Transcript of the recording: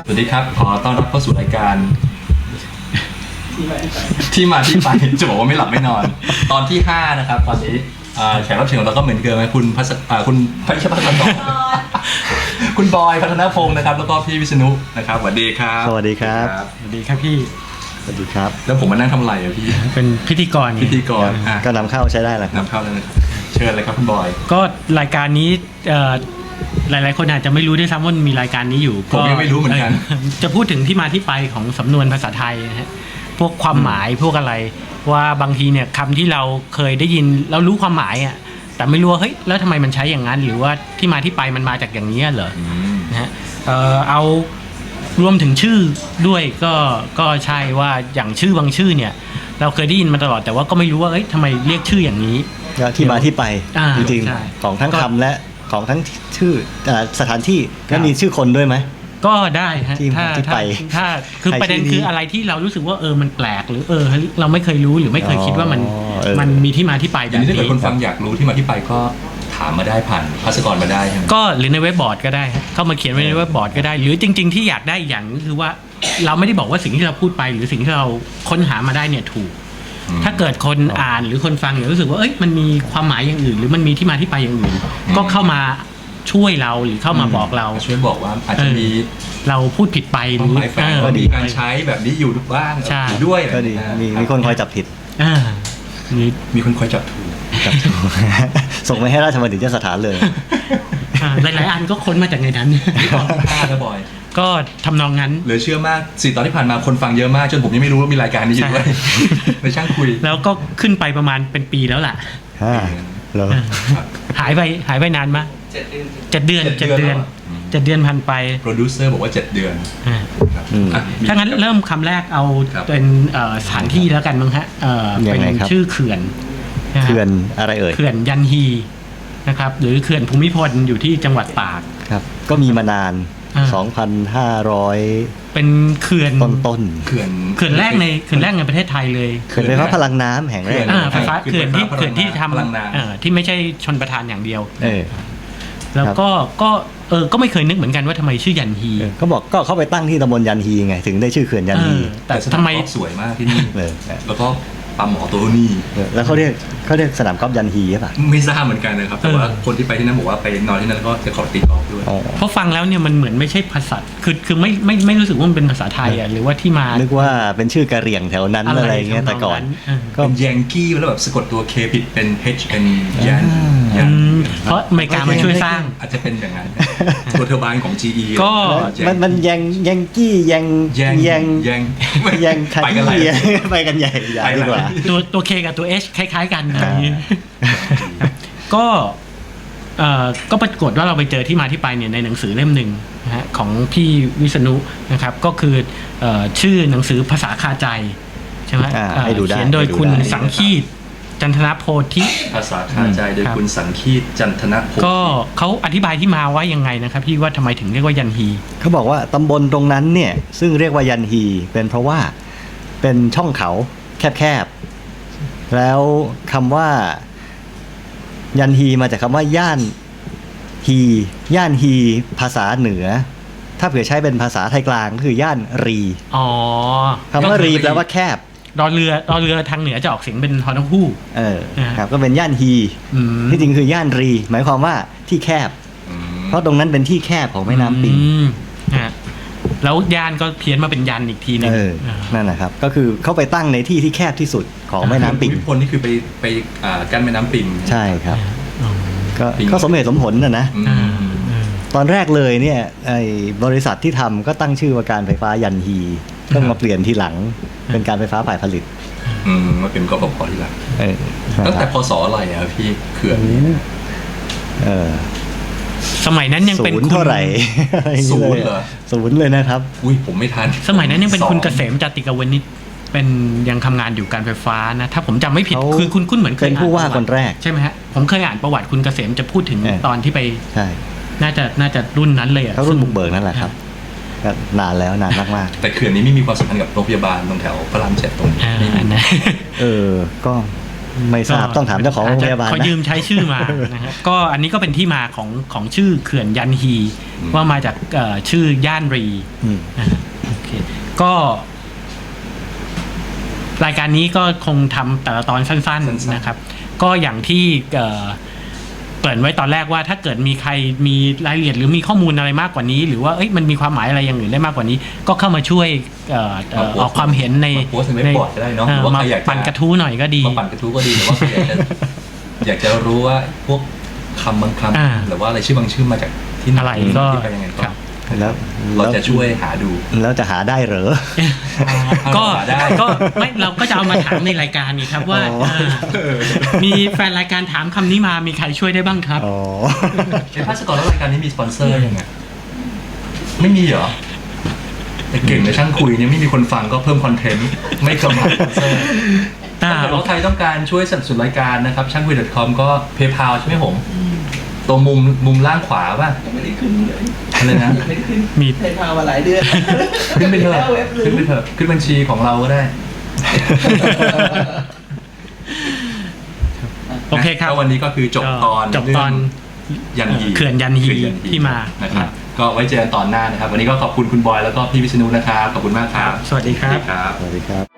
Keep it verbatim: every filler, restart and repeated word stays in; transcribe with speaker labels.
Speaker 1: วัสดีครับขอต้อนรับเข้าสู่รายการที่มาที่ไปจะบอกว่าไม่หลับไม่นอนตอนที่ห้านะครับตอนนี้แขกรับเชิญของเราก็เหมือนเดิมคุณพัชคุณพัชพัฒน์คุณบอยพัฒนพงศ์นะครับแล้วก็พี่วิษณุนะครับสวัสดีครับ
Speaker 2: สวัสดีครับ
Speaker 3: สวัสดีครับพี่
Speaker 2: สวัสดีครับ
Speaker 1: แล้วผมมานั่งทำอะไรอ่ะพี่
Speaker 3: เป็นพิธีกร
Speaker 1: พิธีกร
Speaker 2: ก็นำเข้าใช้ได้แหละ
Speaker 1: นำเข้าเลยเชิญเลยครับคุณบอย
Speaker 3: ก็รายการนี้หลายๆคนอาจจะไม่รู้ด้วยซ้ำว่ามีรายการนี้อยู่
Speaker 1: ผมยังไม่รู้เหมือนกัน
Speaker 3: จะพูดถึงที่มาที่ไปของสำนวนภาษาไทยนะฮะพวกความหมายพวกอะไรว่าบางทีเนี่ยคำที่เราเคยได้ยินเรารู้ความหมายอ่ะแต่ไม่รู้ว่าเฮ้ยแล้วทำไมมันใช้อย่างนั้นหรือว่าที่มาที่ไปมันมาจากอย่างนี้เหรอนะฮะเอารวมถึงชื่อด้วยก็ก็ใช่ว่าอย่างชื่อบางชื่อเนี่ยเราเคยได้ยินมาตลอดแต่ว่าก็ไม่รู้ว่าเอ้ยทำไมเรียกชื่ออย่างนี้
Speaker 2: ที่มาที่ไปจริงๆของทั้งคำและของทั้งชื่อสถานที่แล้วมีชื่อคนด้วยไหม
Speaker 3: ก็ได้ฮะ
Speaker 2: ถ้าถ้า
Speaker 3: ถ้าคือประเด็นคืออะไรที่เรารู้สึกว่าเออมันแปลกหรือเออเราไม่เคยรู้หรือไม่เคยคิดว่ามันมันมีที่มาที่ไปแบบนี้
Speaker 1: ถ้าเกิดคนฟังอยากรู้ที่มาที่ไปก็ถามมาได้ผ่านภาษากรมาได้
Speaker 3: ก็หรือในเว็บบอร์ดก็ได้เข้ามาเขียนไว้ในเว็บบอร์ดก็ได้หรือจริงๆที่อยากได้อย่างก็คือว่าเราไม่ได้บอกว่าสิ่งที่เราพูดไปหรือสิ่งที่เราค้นหามาได้เนี่ยถูกถ้าเกิดคนอ่านหรือคนฟังเนี่ยรู้สึกว่าเอ้ยมันมีความหมายอย่างอื่นหรือมันมีที่มาที่ไปอย่างอื่นก็เข้ามาช่วยเราหรือเข้ามาบอกเรา
Speaker 1: ช่วยบอกว่าอาจจะมี
Speaker 3: เราพูดผิดไปหรือ
Speaker 1: ว่ามีการใช้แบบนี้อยู่บ้างอยู่ด้วย
Speaker 2: ก็ดีมีมีคนคอยจับผิด
Speaker 1: มีคนคอยจับถูก
Speaker 2: จับถูกส่งไปให้ราชบัณฑิตยสถานเลย
Speaker 3: หลายๆอันก็ค้นมาจากในนั้น
Speaker 1: ตอนที่ห้าแล้วบอย
Speaker 3: ก็ทำนองนั้น
Speaker 1: เหลือเชื่อมากสี่ตอนที่ผ่านมาคนฟังเยอะมากจนผมยังไม่รู้ว่ามีรายการนี้อยู่ด้วยในช่างคุย
Speaker 3: แล้วก็ขึ้นไปประมาณเป็นปีแล้วล่ะ
Speaker 2: แล้ว
Speaker 3: หายไปหายไปนานมั้ยเจ็ดเดือนเจ็ดเดือนเจ็ดเดือนผ่านไป
Speaker 1: โปรดิวเซอร์บอกว่าเจ็ดเดือน
Speaker 3: ถ้างั้นเริ่มคำแรกเอาเป็นสถานที่แล้วกันมั้งฮะเป็นชื่อเขื่อน
Speaker 2: เขื่อนอะไรเอ่ย
Speaker 3: เขื่อนยันฮีนะครับหรือเขื่อนภูมิพลอยู่ที่จังหวัดตาก
Speaker 2: ครับก็มีมานาน สองพันห้าร้อย
Speaker 3: เป็นเขื่อน
Speaker 2: ต้น
Speaker 1: ๆเขื่อน
Speaker 3: เขื่อนแรกในเขื่อนแรกในประเทศไทยเลย
Speaker 2: เขื่อนไฟฟ้าพลังน้ำแห่งแรก
Speaker 3: ไฟฟ้าเขื่อนที่เขื่อนที่ทำที่ไม่ใช่ชนประทานอย่างเดียวแล้วก็ก็เออก็ไม่เคยนึกเหมือนกันว่าทำไมชื่อยันฮี
Speaker 2: ก็บอกก็เข้าไปตั้งที่ตำบลยันฮีไงถึงได้ชื่อเขื่อนยันฮี
Speaker 1: แต่ทำไมสวยมากที่นี่แล้วก็ปั๊มหมอตัวนี้
Speaker 2: แล้วเขาเรียกเขาเรียกสนามกอล์ฟยันฮีใช่ป่ะ
Speaker 1: ไม่ทราบเหมือนกันนะครับแต่ว่าคนที่ไปที่นั่นบอกว่าไปนอนที่นั่นก็จะขอตีกอล์ฟด้วย
Speaker 3: เพราะฟังแล้วเนี่ยมันเหมือนไม่ใช่ภาษาคือคือไม่ไม่ไม่รู้สึกว่ามันเป็นภาษาไทยอ่ะหรือว่าที่มา
Speaker 2: นึกว่าเป็นชื่อกะเหรี่ยงแถวนั้นอะไรเงี้ยแต่ก่อน
Speaker 1: ก็ยังกี้แล้วแบบสะกดตัว K ผิดเป็น H เป็นยัน
Speaker 3: เพราะอเมริกามาช่วยสร้าง
Speaker 1: อาจจะเป็นอย่างนั้นตัวเทอร์ไบน์ของ จี อี
Speaker 3: ก็
Speaker 2: มันมันยังยังกี้ยัง
Speaker 1: ยัง
Speaker 2: ยัง
Speaker 1: ยัง
Speaker 2: ยังไปกันใหญ่ไปกันใหญ่ใหญ่ดีกว่า
Speaker 3: ตัวตัว K กับตัว H คล้ายๆกันอย่างนี้ก็เอ่อก็ปรากฏว่าเราไปเจอที่มาที่ไปเนี่ยในหนังสือเล่มหนึ่งนะฮะของพี่วิษณุนะครับก็คือเอ่อชื่อหนังสือภาษาคาใจใช่ไหมเขียนโดยคุณสังคีตจันทนโพธิ
Speaker 1: ภาษาคาใจโดยคุณสังคีตจันทนโพธิ
Speaker 3: ก็เขาอธิบายที่มาว่ายังไงนะครับพี่ว่าทำไมถึงเรียกว่ายันฮี
Speaker 2: เขาบอกว่าตำบลตรงนั้นเนี่ยซึ่งเรียกว่ายันฮีเป็นเพราะว่าเป็นช่องเขาแคบๆแล้วคำว่ายันฮีมาจากคำว่าย่านฮีย่านฮีภาษาเหนือถ้าเผื่อใช้เป็นภาษาไทยกลางก็คือย่านรี
Speaker 3: อ๋อ
Speaker 2: คำว่ารีแปลว่าแคบ
Speaker 3: ดอเรือดอเรือทางเหนือจะออกเสียงเป็นฮอนฮู้
Speaker 2: เออครับก็เป็นย่านฮีที่จริงคือย่านรีหมายความว่าที่แคบเพราะตรงนั้นเป็นที่แคบของแม่น้ำปิง
Speaker 3: แล้วย่านก็เพี้ยนมาเป็นยันอีกทีนึง
Speaker 2: นั่นนะครับก็คือเข้าไปตั้งในที่ที่แคบที่สุดของแม่น้ำปิง
Speaker 1: ภูมิพลนี่คือไปไปกั้นแม่น้ำปิง
Speaker 2: ใช่ครับก็ก็สมเหตุสมผลนะนะตอนแรกเลยเนี่ยไอ้บริษัทที่ทำก็ตั้งชื่อว่าการไฟฟ้ายันฮีต้องมาเปลี่ยนทีหลังเป็นการไฟฟ้าฝ่ายผลิต
Speaker 1: อืมมาเป็นกฟผทีหลังตั้งแต่พศอะไรอ่ะพี่เขื่อน
Speaker 2: เออ
Speaker 3: สมัยนั้นยังเป็น
Speaker 2: เท่าไหร่
Speaker 1: ศูนย์เหรอ
Speaker 2: ศูนย์เลยนะครับ
Speaker 1: อุ้ยผมไม่ทัน
Speaker 3: สมัยนั้นยังเป็นคุณเกษมจติกาวนิชเป็นยังทำงานอยู่การไฟฟ้านะถ้าผมจำไม่ผิดคือคุณคุณเหมือนเคย
Speaker 2: เป็นผู้ว่าคนแรก
Speaker 3: ใช่ไหมฮะผมเคยอ่านประวัติคุณเกษมจะพูดถึงตอนที่ไป
Speaker 2: ใช่
Speaker 3: น่าจะน่าจะรุ่นนั้นเลยอ่ะ
Speaker 2: เขารุ่นบุกเบิกนั่นแหละครับก็นานแล้วนานมาก
Speaker 1: ๆแต่เขื่อนนี้ไม่มีความสัมพันธ์กับโรงพยาบาลตรงแถวพระรามเจ็ดตรงนี้
Speaker 2: เออก็ไม่ทราบต้องถามเจ้าของโรงพยาบาล
Speaker 3: เขา
Speaker 2: นะ
Speaker 3: ยืมใช้ชื่อมา นะครับก็อันนี้ก็เป็นที่มาของของชื่อเขื่อนยันฮี
Speaker 1: อืม
Speaker 3: ว่ามาจากเอ่อชื่อย่านรี
Speaker 2: อืม
Speaker 3: นะฮะโอเคก็รายการนี้ก็คงทำแต่ละตอนสั้นๆนะครับ ก็อย่างที่เอ่อเกริ่นไว้ตอนแรกว่าถ้าเกิดมีใครมีรายละเอียดหรือมีข้อมูลอะไรมากกว่านี้ หรือว่าเอ้ยมันมีความหมายอะไรอย่างอื่นได้มากกว่านี้ ก็เข้ามาช่วยเอ่อเอ่อออกความเห็นใน
Speaker 1: มาโพสต์ในเว็บบอร์ดก็ได้เนาะหรือว่า
Speaker 3: มา
Speaker 1: ใครอยากจะ
Speaker 3: ปั่นกระทู้หน่อยก็ดี
Speaker 1: มาปั่นกระทู้ก็ดีหรือว่าใครอยากจะ อยากจะรู้ว่าพวกคำบางค
Speaker 3: อ่า
Speaker 1: ำหรือว่าอะไรชื่อบางชื่อมาจากที่หน
Speaker 3: อะไรก็
Speaker 1: ที่ไปยังไง
Speaker 3: ค
Speaker 1: ก็
Speaker 3: รับ
Speaker 2: แล้ว
Speaker 1: เราจะช่วยหาดู
Speaker 2: แล้วจะหาได้เหรอ
Speaker 3: ก็
Speaker 1: หาได้
Speaker 3: ก็ไม่เราก็จะเอามาถามในรายการนี่ครับว่า
Speaker 2: อ๋ออ่
Speaker 3: ามีแฟนรายการถามคำนี้มามีใครช่วยได้บ้างครับ
Speaker 2: อ๋อ
Speaker 1: ไอ้ภาสกรแล้วรายการนี้มีสปอนเซอร์ยังไงไม่มีเหรอแต่เก่งในช่างคุยเนี่ยไม่มีคนฟังก็เพิ่มคอนเทนต์ไม่กำลังสปอนเซอร์
Speaker 3: อ่า
Speaker 1: ถ้าเกิดว่าใครต้องการช่วยสนับสนุนรายการนะครับช่างคุย .com ก็ PayPal ใช่ไหมผมตรงมุมมุมล่างขวาป่ะ
Speaker 4: ยังไม่ได้ขึ้นเลย
Speaker 1: อะไรนะ
Speaker 4: ยังไม่ได้ขึ้น
Speaker 3: มี
Speaker 4: เคยพามาหลายเดือน
Speaker 1: ขึ้นไปเถอะ
Speaker 4: แล้วเว็บลื
Speaker 1: ขึ้น
Speaker 4: ม
Speaker 1: ไปเถอะขึ้นบัญชีของเราก็ได้
Speaker 3: โอเคครับ
Speaker 1: ก็วันนี้ก็คือจบตอน
Speaker 3: จบตอน
Speaker 1: เรื่องยันฮี
Speaker 3: เขื่อนยันฮี
Speaker 1: เขื่อ
Speaker 3: ที่มา
Speaker 1: นะครับก็ไว้เจอกันตอนหน้านะครับ วันนี้ก็ขอบคุณคุณบอยแล้วก็พี่วิษณุนะครับขอบคุณมากครับ
Speaker 3: สวัสดีครับ
Speaker 1: ครับ
Speaker 2: สวัสดีครับ